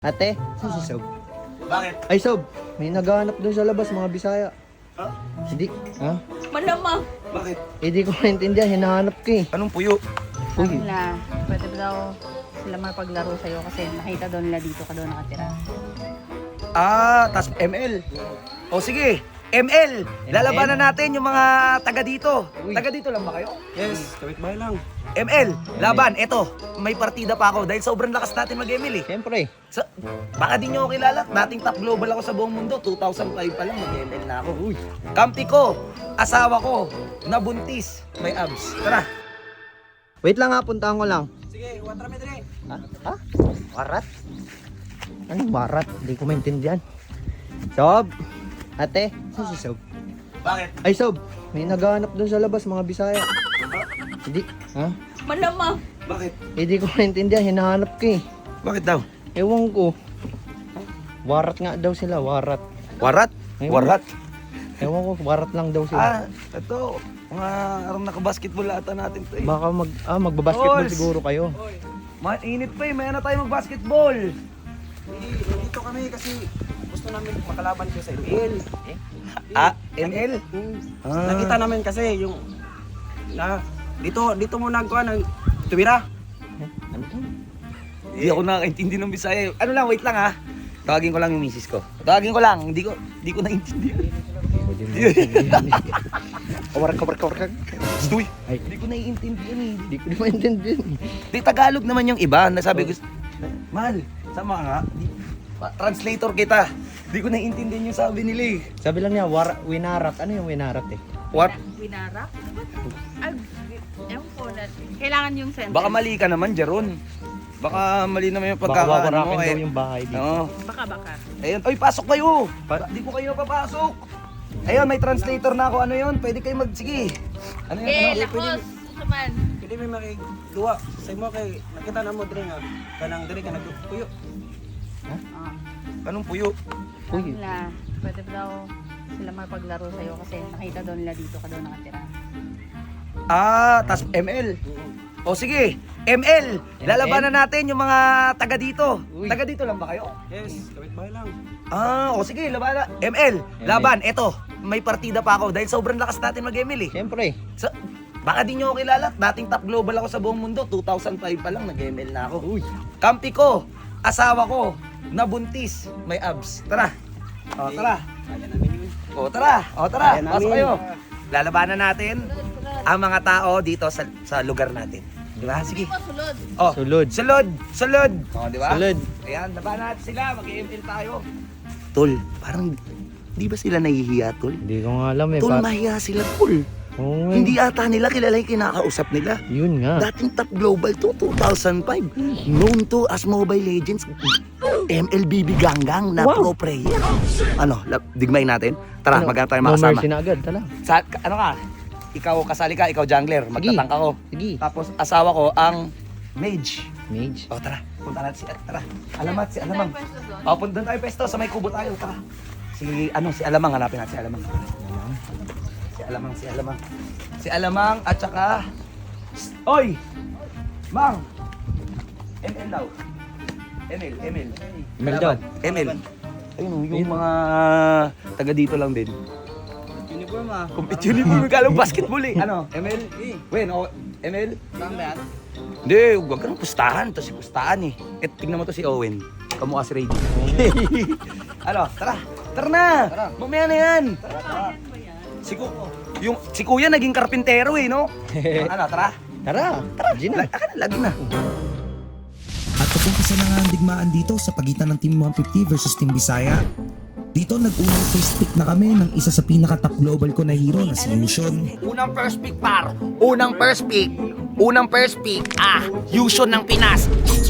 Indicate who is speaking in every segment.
Speaker 1: Ate, saan si Sob?
Speaker 2: Bakit?
Speaker 1: Ay, Sob, may naghahanap doon sa labas, mga Bisaya.
Speaker 2: Ha?
Speaker 1: Hindi, ha?
Speaker 3: Malamang.
Speaker 2: Bakit?
Speaker 1: Hindi ko maintindihan, hinahanap ka eh.
Speaker 2: Anong puyo?
Speaker 1: Uy,
Speaker 3: Nila, pwede ba daw sila mapaglaro sa'yo kasi nakita daw nila dito ka daw nakatira.
Speaker 2: Tas ML. O sige, ML. Lalabanan natin yung mga taga dito.
Speaker 1: Uy.
Speaker 2: Taga dito lang ba kayo?
Speaker 4: Yes, kapitbahay lang.
Speaker 2: ML, laban. Eto, may partida pa ako dahil sobrang lakas natin mag-ML eh.
Speaker 1: siyempre.
Speaker 2: So, baka di nyo ako kilala. Dating top global ako sa buong mundo. 2005 pa lang mag-ML na ako.
Speaker 1: Uy,
Speaker 2: Kampi ko, asawa ko, nabuntis, may abs. Tara.
Speaker 1: wait lang ha, puntahan ko lang.
Speaker 4: Sige, watra me dire.
Speaker 1: Ha? Ha? Warat? Anong warat? Hindi ko maintindihan. Sob, ate, saan si Sob?
Speaker 2: Bakit?
Speaker 1: Ay, Sob, may naghahanap doon sa labas, mga Bisaya. Hindi, ha?
Speaker 3: Malamang.
Speaker 2: Bakit?
Speaker 1: Hindi ko maintindihan, hinahanap ka eh.
Speaker 2: Bakit daw?
Speaker 1: Ewan ko. Warat nga daw sila, warat.
Speaker 2: Warat?
Speaker 1: Ayun.
Speaker 2: Warat?
Speaker 1: Ewan ko, warat lang daw sila.
Speaker 2: Ito. Mga arang naka-basketball ata natin to eh.
Speaker 1: Baka magbabasketball
Speaker 2: Balls!
Speaker 1: siguro kayo.
Speaker 2: Mainit pa eh, maya na tayo mag-basketball.
Speaker 4: Dito kami kasi gusto namin makalaban ko sa ML.
Speaker 2: ML?
Speaker 4: Nakita namin kasi yung dito muna ko ng tuwira.
Speaker 1: Ano to?
Speaker 2: Hindi ako nakakaintindi ng Bisaya. Ano lang, wait lang ha. Tawagin ko lang yung misis ko. Tawagin ko lang, hindi ko naintindihan.
Speaker 1: Kawarak.
Speaker 2: Stuy.
Speaker 1: Ay,
Speaker 2: Hindi ko naiintindihan eh.
Speaker 1: hindi ko maintindihan.
Speaker 2: Di Tagalog naman yung iba. Nasabi ko, mahal, sama nga. Translator kita. Hindi ko naiintindihan yung sabi nila eh.
Speaker 1: Sabi lang niya, winarat. Ano yung winarat eh?
Speaker 2: What?
Speaker 3: Winarak? Ay, ewan ko na. Kailangan yung sentence.
Speaker 2: Baka mali ka naman, Jaron. Baka mali naman yung
Speaker 1: Baka
Speaker 2: pagkakaano
Speaker 1: wawarakin
Speaker 2: mo
Speaker 1: daw
Speaker 2: eh.
Speaker 1: yung bahay dito.
Speaker 2: Oo.
Speaker 3: Baka.
Speaker 2: Ayun, oy, pasok kayo. Hindi ko kayo papasok. Ayun, may translator na ako. Ano yun? Pwede kayo sige. Ano yun?
Speaker 3: Eh,
Speaker 2: Ano?
Speaker 3: lakos. Susuman.
Speaker 4: Pwede may makiduwa sa mo kay nakita na mo dire nga kanang dire ka nagpuyo.
Speaker 2: Anong puyo?
Speaker 1: Uy,
Speaker 3: Nila, pwede ba daw sila mapaglaro sa'yo kasi nakita daw nila dito ka daw nakatira.
Speaker 2: Tas ML. O sige, ML. Lalabanan natin yung mga taga dito.
Speaker 1: Uy.
Speaker 2: Taga dito lang ba kayo?
Speaker 4: Yes, kapitbahay lang.
Speaker 2: O sige, laban. ML, laban. Eto, may partida pa ako dahil sobrang lakas natin mag-ML eh.
Speaker 1: siyempre.
Speaker 2: So, baka di nyo ako kilala. Dating top global ako sa buong mundo. 2005 pa lang nag-ML na ako.
Speaker 1: Uy,
Speaker 2: Kampi ko, asawa ko, nabuntis, may abs. Tara. O, tara.
Speaker 4: Kaya namin yun.
Speaker 2: O, tara. O, tara.
Speaker 4: Kaya namin.
Speaker 2: Pasok kayo. Lalabanan natin ang mga tao dito sa lugar natin. Di ba? Sige.
Speaker 3: Sulod.
Speaker 2: Oh,
Speaker 1: Sulod.
Speaker 2: Sulod. O, di ba?
Speaker 1: Sulod.
Speaker 2: Ayan, labanan natin sila. Mag-ML tayo. Tol, parang di ba sila nahihiya, Tol?
Speaker 1: Hindi ko nga alam eh.
Speaker 2: Tol, mahiya sila, Tol.
Speaker 1: Oo nga.
Speaker 2: Hindi ata nila kilala yung kinakausap nila.
Speaker 1: Yun nga.
Speaker 2: Dating top global to, 2005. Known to as Mobile Legends. MLBB Ganggang na pro player. Ano, digmay natin? Tara, magkano tayo
Speaker 1: No
Speaker 2: makasama.
Speaker 1: mercy na agad, tala.
Speaker 2: Ano ka? Ikaw kasali ka, ikaw jungler, magtatangka ko.
Speaker 1: Sige.
Speaker 2: Tapos asawa ko ang mage.
Speaker 1: Mage.
Speaker 2: O tara, punta natin tara. Alamat, si Alamang. O, punta tayo pesto, sa may kubo tayo, tara. Si Alamang, hanapin natin si Alamang. Si Alamang at saka... Oy! Mang! ML daw. ML.
Speaker 1: ML daw.
Speaker 2: ML. Ayun, yung mga taga dito lang din.
Speaker 4: Uniform ah.
Speaker 2: Compete uniform, kalang basketball eh. Ano? ML? Wen, ML?
Speaker 4: Saan ba yan?
Speaker 2: Hindi, huwag ka ng pustahan. Ito si pustahan eh. Tingnan mo to si Owen. Kamukha si Rady. Ano, tara. Tara na. Mamaya na yan. Si Kuya naging karpintero eh, no? Ano, tara.
Speaker 1: Tara, Gina.
Speaker 2: Lagi na.
Speaker 5: At papunta na nga ang digmaan dito sa pagitan ng Team 150 versus Team Bisaya. Dito nag-unang first pick na kami ng isa sa pinaka-top global ko na hero na si Yushon.
Speaker 2: Unang first pick, par. Unang first pick. Yushon ng Pinas.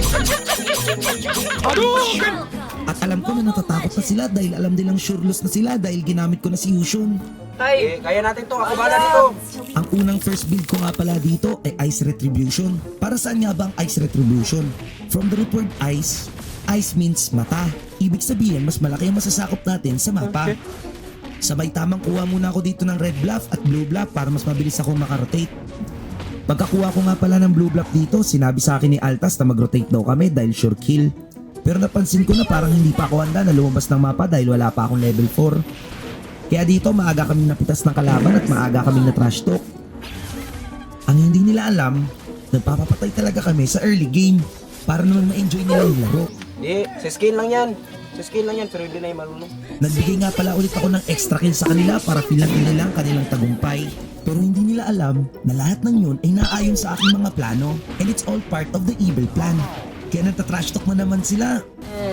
Speaker 5: At alam ko na natatakot na sila dahil alam nilang sure loss na sila dahil ginamit ko na si Yushon.
Speaker 4: Eh, kaya natin to. Ako bala dito.
Speaker 5: Ang unang first build ko nga pala dito ay Ice Retribution. Para saan nga ba ang Ice Retribution? From the root word ice, ice means mata. Ibig sabihin, mas malaki ang masasakop natin sa mapa. Sabay tamang kuha muna ako dito ng red bluff at blue bluff para mas mabilis ako makarotate. Pagkakuha ko nga pala ng blue bluff dito, sinabi sa akin ni Altas na mag-rotate daw kami dahil sure kill. Pero napansin ko na parang hindi pa ako handa na lumabas ng mapa dahil wala pa akong level 4. Kaya dito maaga kaming napitas ng kalaban at maaga kaming na trash talk. Ang hindi nila alam, nagpapapatay talaga kami sa early game para naman ma-enjoy nila yung laro.
Speaker 4: Di, sa skill lang yan. Sa skill lang yan, pero hindi na yung marunong.
Speaker 5: Nagbigay nga pala ulit ako ng extra kill sa kanila para feel lang nila ang kanilang tagumpay. Pero hindi nila alam na lahat ng yun ay naayon sa aking mga plano and it's all part of the evil plan. Kaya nagtatrash talk mo naman sila.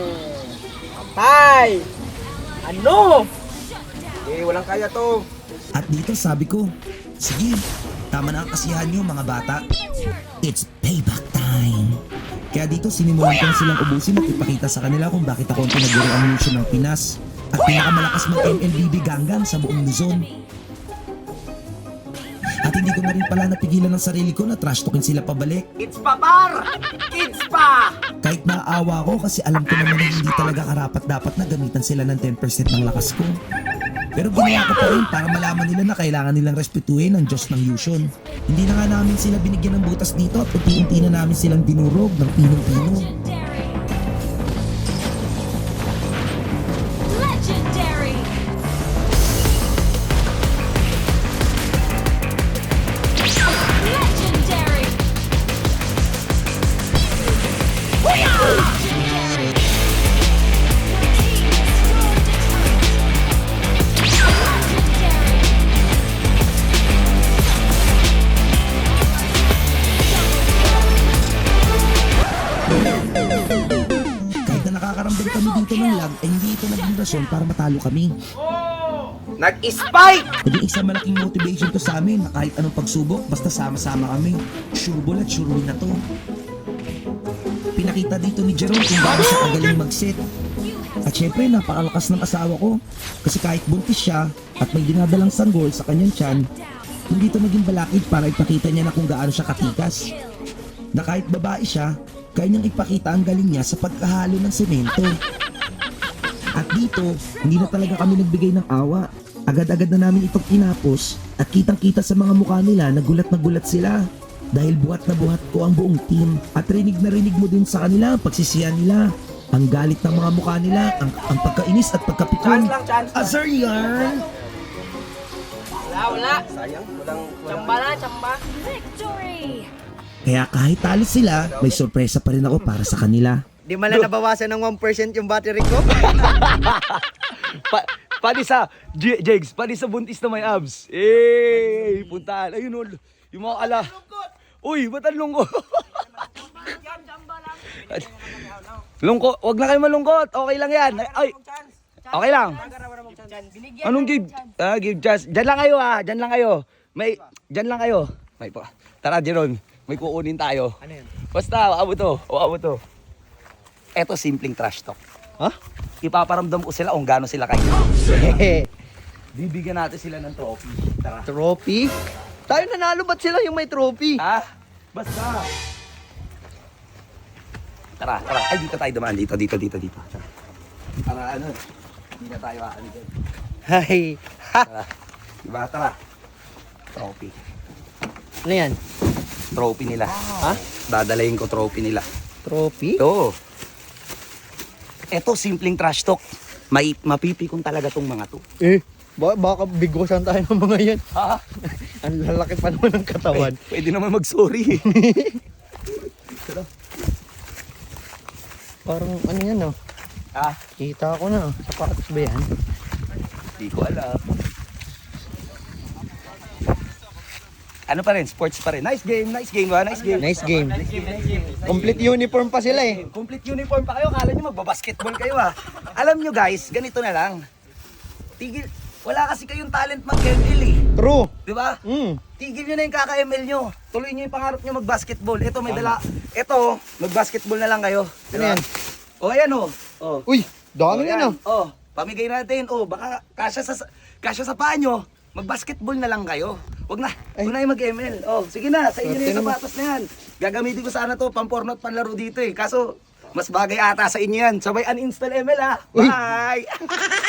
Speaker 4: Patay! Ano? Eh, walang kaya to.
Speaker 5: At dito sabi ko, sige, tama na ang kasiyahan nyo mga bata. It's payback time. Kaya dito sinimulan ko na silang ubusin at ipakita sa kanila kung bakit ako ang pinaguro ang mission ng Pinas at pinakamalakas mag-MLBB ganggang sa buong Luzon. At hindi ko na rin pala napigilan ng sarili ko na trash talkin sila pabalik.
Speaker 4: It's pa, par! It's pa!
Speaker 5: Kahit naaawa ko kasi alam ko naman na hindi talaga karapat dapat na gamitan sila ng 10% ng lakas ko. Pero ginawa ko pa rin para malaman nila na kailangan nilang respetuhin ang Diyos ng Yushon. Hindi na nga namin sila binigyan ng butas dito at unti-unti na namin silang dinurog ng pinong-pino.
Speaker 6: Legendary! Legendary! Legendary! Legendary!
Speaker 5: Kahit na nakakarambal kami dito ng lag, ay hindi ito naging rason para matalo kami.
Speaker 4: Nag-spike!
Speaker 5: Naging isang malaking motivation to sa amin na kahit anong pagsubok, basta sama-sama kami. Sure ball at sure win na to. Pinakita dito ni Jerome kung gaano siya kagaling mag-set. At syempre, napakalakas ng asawa ko. Kasi kahit buntis siya at may dinadalang sanggol sa kanyang tiyan, hindi ito naging balakid para ipakita niya na kung gaano siya katikas. Na kahit babae siya, kaya niyang ipakita ang galing niya sa pagkahalo ng semento. At dito, hindi na talaga kami nagbigay ng awa. Agad-agad na namin itong tinapos at kitang-kita sa mga mukha nila na gulat sila. Dahil buhat na buhat ko ang buong team at rinig na rinig mo din sa kanila ang pagsisiyan nila. Ang galit ng mga mukha nila, ang pagkainis at pagkapikon.
Speaker 4: Chance lang.
Speaker 5: Azar yarn!
Speaker 4: Wala. Sayang, walang...
Speaker 3: Chamba.
Speaker 6: Victory!
Speaker 5: Kaya kahit talo sila, may sorpresa pa rin ako para sa kanila.
Speaker 1: Di man lang nabawasan ng 1% yung battery ko.
Speaker 2: Pati sa, Jegs, pati sa buntis na may abs. Eh, puntahan. Ayun o, yung mga ala. Uy, ba't ang lungkot? Lungkot, wag na kayo malungkot. Okay lang yan. Ay, okay lang. Anong give? Give chance. Diyan lang kayo diyan lang kayo. Diyan lang kayo. May po. Tara, Jeron, may kukunin tayo.
Speaker 1: Ano yan?
Speaker 2: Basta, abo to. Eto, simpleng trash talk.
Speaker 1: Ha?
Speaker 2: Ipaparamdam ko sila kung gaano sila kayo. Bibigyan natin sila ng trophy. Tara.
Speaker 1: Trophy? Tayo nanalo, ba't sila yung may trophy?
Speaker 2: Ha? Basta. Tara. Ay, dito tayo dumaan. Dito. Tara. Para ano, hindi na tayo dito.
Speaker 1: Hay.
Speaker 2: Tara. Diba? Tara. Trophy.
Speaker 1: Ano yan?
Speaker 2: Trophy nila.
Speaker 1: Ha?
Speaker 2: Dadalayin ko trophy nila.
Speaker 1: Trophy?
Speaker 2: Oo. Eto, simpleng trash talk. Mapipikon talaga tong mga to.
Speaker 1: Baka bigosan tayo ng mga yan.
Speaker 2: Ha?
Speaker 1: Ang lalaki pa naman ng katawan.
Speaker 2: Pwede naman mag-sorry.
Speaker 1: Parang ano yan oh.
Speaker 2: Ha?
Speaker 1: Kita ko na. Sapatos ba yan?
Speaker 2: Hindi ko alam. Ano pa rin? Sports pa rin. Nice game ba? Nice game.
Speaker 1: Nice game. Complete uniform pa sila eh.
Speaker 2: Complete uniform pa kayo. Kala nyo magbabasketball kayo Alam nyo guys, ganito na lang. Wala kasi kayong talent mag-ML eh.
Speaker 1: True.
Speaker 2: Diba? Tigil nyo na yung kaka-ML nyo. Tuloy nyo yung pangarap nyo mag-basketball. Ito may dala. Ito, mag-basketball na lang kayo.
Speaker 1: Ano yan?
Speaker 2: O ayan o.
Speaker 1: Uy, dami yan oh.
Speaker 2: Pamigay natin. Baka kasya sa paa nyo. Mag-basketball na lang kayo. Huwag na yung mag-ML. Sige na, sa inyo na yung sapatos na yan. Gagamitin ko sana to, pamporno at panlaro dito eh. Kaso, mas bagay ata sa inyo yan. Sabay uninstall ML
Speaker 1: Uy.
Speaker 2: Bye!